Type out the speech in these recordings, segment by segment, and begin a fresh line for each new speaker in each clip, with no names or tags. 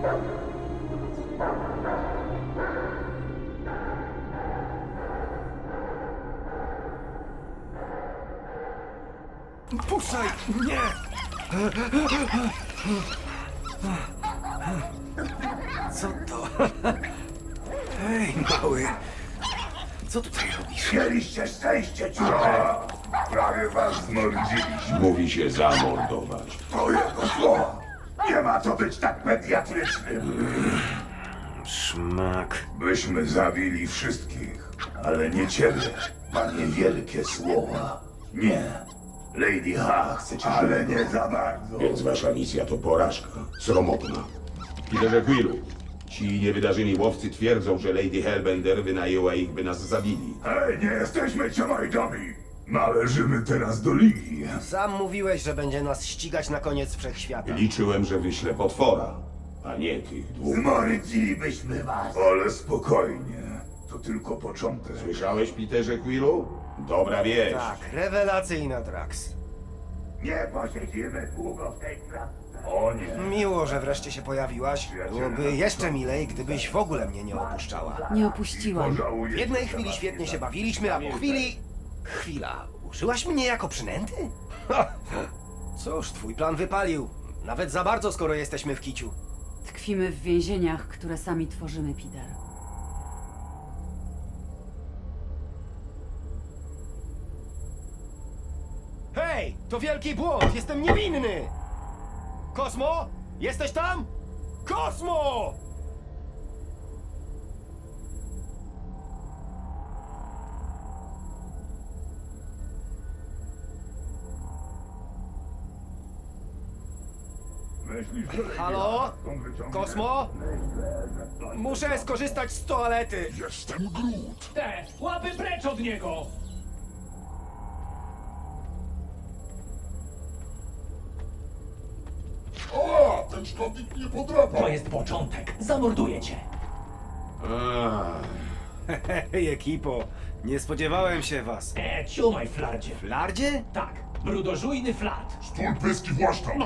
Puszczaj! Nie! Co to? Hej, mały. Co tutaj robisz?
Mieliście szczęście, ciurze! Prawie was zmordziliśmy.
Mówi się zamordować.
To jego słowa. Nie ma co być tak pediatrycznym.
Szmak.
Byśmy zabili wszystkich, ale nie ciebie. Panie wielkie słowa. Nie. Lady H chce cię, ale nie za bardzo.
Więc wasza misja to porażka. Sromotna. Peterze Quillu, ci niewydarzeni łowcy twierdzą, że Lady Hellbender wynajęła ich, by nas zabili.
Hej, nie jesteśmy ciamajdami. Należymy teraz do Ligi.
Sam mówiłeś, że będzie nas ścigać na koniec wszechświata.
Liczyłem, że wyślę potwora, a nie tych dwóch.
Zmordzilibyśmy was. Ale spokojnie. To tylko początek.
Słyszałeś, Peterze Quillu? Dobra wieść.
Tak, rewelacyjna, Drax.
Nie posiedzimy długo w tej klatce. O nie.
Miło, że wreszcie się pojawiłaś. Byłoby jeszcze milej, gdybyś w ogóle mnie nie opuszczała.
Nie opuściłam.
W jednej chwili świetnie się bawiliśmy, a po chwili... Chwila, użyłaś mnie jako przynęty? Cóż, twój plan wypalił. Nawet za bardzo, skoro jesteśmy w kiciu.
Tkwimy w więzieniach, które sami tworzymy, Peter.
Hej, to wielki błąd, jestem niewinny! Kosmo? Jesteś tam? Kosmo!
Myślisz, że Lady
Halo?
H stąd wyciągnie?
Kosmo? Muszę skorzystać z toalety.
Jestem Groot.
Te, łapy precz od niego!
O, ten szkodnik nie podrapa.
To jest początek. Zamorduję cię.
Hej, ekipo, nie spodziewałem się was.
Ciumaj, flardzie.
Flardzie?
Tak, brudożujny flart.
Stój pyski właszczał.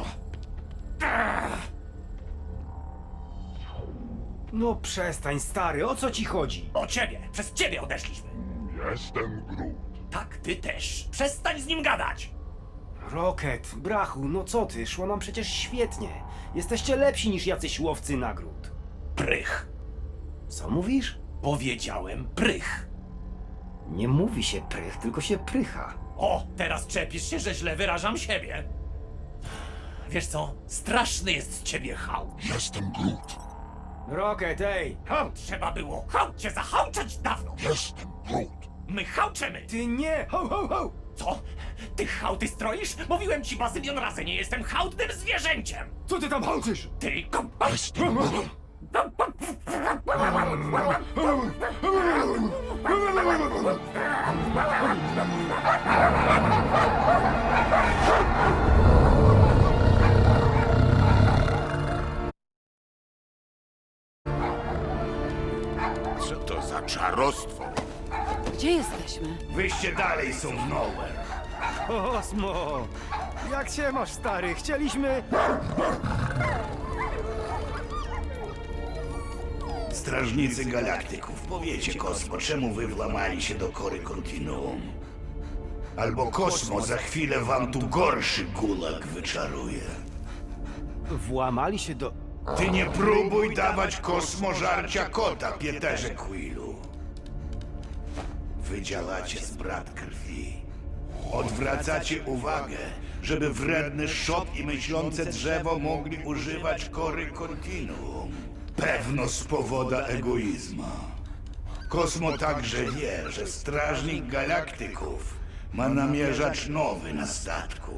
No przestań, stary, o co ci chodzi?
O ciebie, przez ciebie odeszliśmy.
Jestem Groot.
Tak, ty też. Przestań z nim gadać.
Rocket, brachu, no co ty, szło nam przecież świetnie. Jesteście lepsi niż jacyś łowcy nagród.
Prych.
Co mówisz?
Powiedziałem prych.
Nie mówi się prych, tylko się prycha.
O, teraz czepisz się, że źle wyrażam siebie. Wiesz co? Straszny jest z ciebie hałd.
Jestem Groot.
Rocket, ej!
Hałd trzeba było. Hałd cię zahałczać dawno.
Jestem Groot.
My hałczemy.
Ty nie! Ho, ho, ho!
Co? Ty hałdy stroisz? Mówiłem ci bazylion razy, nie jestem hałdnym zwierzęciem.
Co ty tam hałczysz?
Ty...
Jestem Groot. Co to za czarostwo?
Gdzie jesteśmy?
Wyjście dalej są w nowhere.
Kosmo! Jak się masz, stary? Chcieliśmy...
Strażnicy galaktyków, powiecie Kosmo, czemu wy włamali się do kory kontinuum? Albo Kosmo za chwilę wam tu gorszy gulag wyczaruje.
Włamali się do...
Ty nie próbuj dawać Kosmo żarcia kota, Pieterze Quillu. Wy działacie z brat krwi. Odwracacie uwagę, żeby wredny szop i myślące drzewo mogli używać kory kontinuum. Pewno z powodu egoizmu. Kosmo także wie, że strażnik galaktyków ma namierzacz nowy na statku.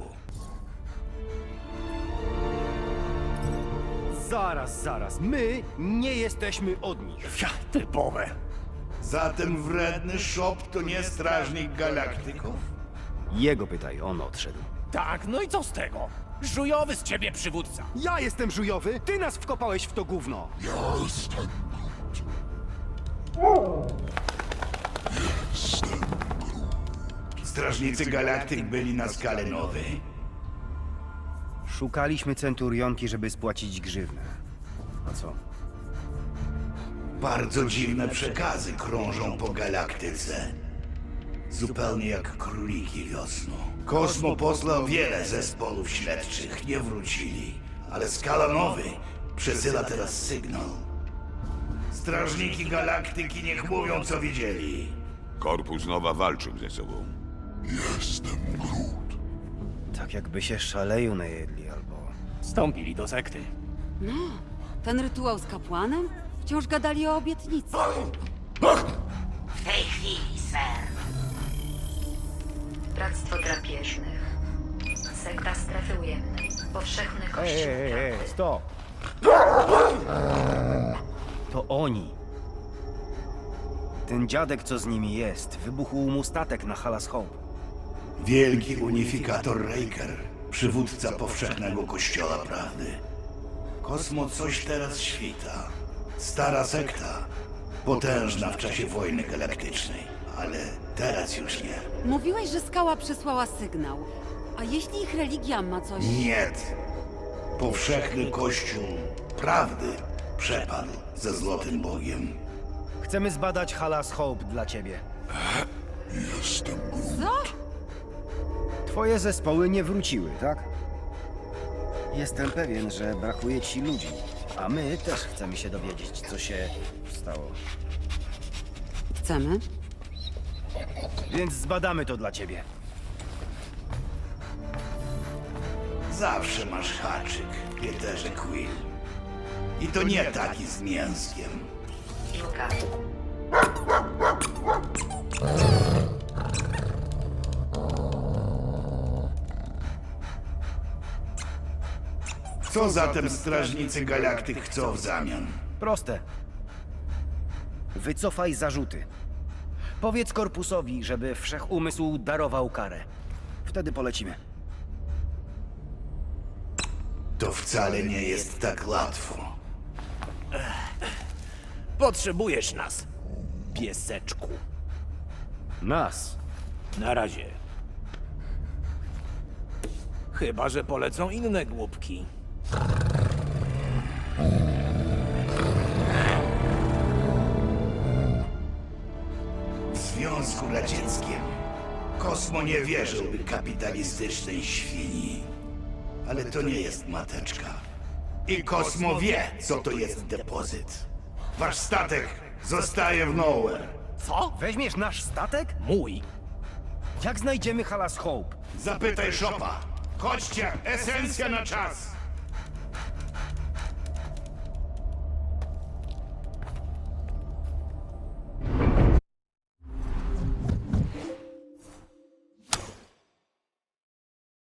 Zaraz. My nie jesteśmy od nich.
Typowe.
Zatem wredny szop to nie strażnik galaktyków?
Jego pytaj, on odszedł.
Tak, no i co z tego? Żujowy z ciebie przywódca.
Ja jestem żujowy, ty nas wkopałeś w to gówno.
Jestem
Strażnicy galaktyk byli na skale nowej.
Szukaliśmy centurionki, żeby spłacić grzywnę. A co?
Bardzo dziwne przekazy krążą po galaktyce. Zupełnie jak króliki wiosną. Kosmo posłał wiele zespołów śledczych, nie wrócili. Ale Skala Nowy przesyła teraz sygnał. Strażniki galaktyki niech mówią, co widzieli.
Korpus Nowa walczył ze sobą.
Tak jakby się szaleju najedli, albo...
Wstąpili do sekty.
Ten rytuał z kapłanem? Wciąż gadali o obietnicy.
W tej chwili, ser. Bractwo drapieżnych. Sekta strefy ujemnej. Powszechny kościół prawdy.
stop! To oni. Ten dziadek, co z nimi jest, wybuchł mu statek na Halas Hope.
Wielki unifikator Raker, przywódca powszechnego kościoła prawdy. Kosmo coś teraz świta. Stara sekta, potężna w czasie wojny galaktycznej, ale teraz już nie.
Mówiłeś, że skała przesłała sygnał. A jeśli ich religia ma coś...
Nie. Powszechny kościół prawdy przepadł ze złotym bogiem.
Chcemy zbadać Halas Hope dla ciebie.
Co?
Twoje zespoły nie wróciły, tak? Jestem pewien, że brakuje ci ludzi. A my też chcemy się dowiedzieć, co się stało.
Chcemy?
Więc zbadamy to dla ciebie.
Zawsze masz haczyk, Pieterze Quill. I to nie taki z mięskiem.
Juka.
Co zatem strażnicy galaktyk chcą w zamian?
Proste. Wycofaj zarzuty. Powiedz korpusowi, żeby wszechumysł darował karę. Wtedy polecimy.
To wcale nie jest tak łatwo.
Potrzebujesz nas, pieseczku.
Nas.
Na razie. Chyba że polecą inne głupki.
W Związku Radzieckim Kosmo nie wierzyłby kapitalistycznej świni. Ale to nie jest mateczka. I Kosmo wie, co to jest depozyt. Wasz statek zostaje w Nowhere.
Co?
Weźmiesz nasz statek?
Mój.
Jak znajdziemy Halas Hope?
Zapytaj Shopa. Chodźcie, esencja na czas.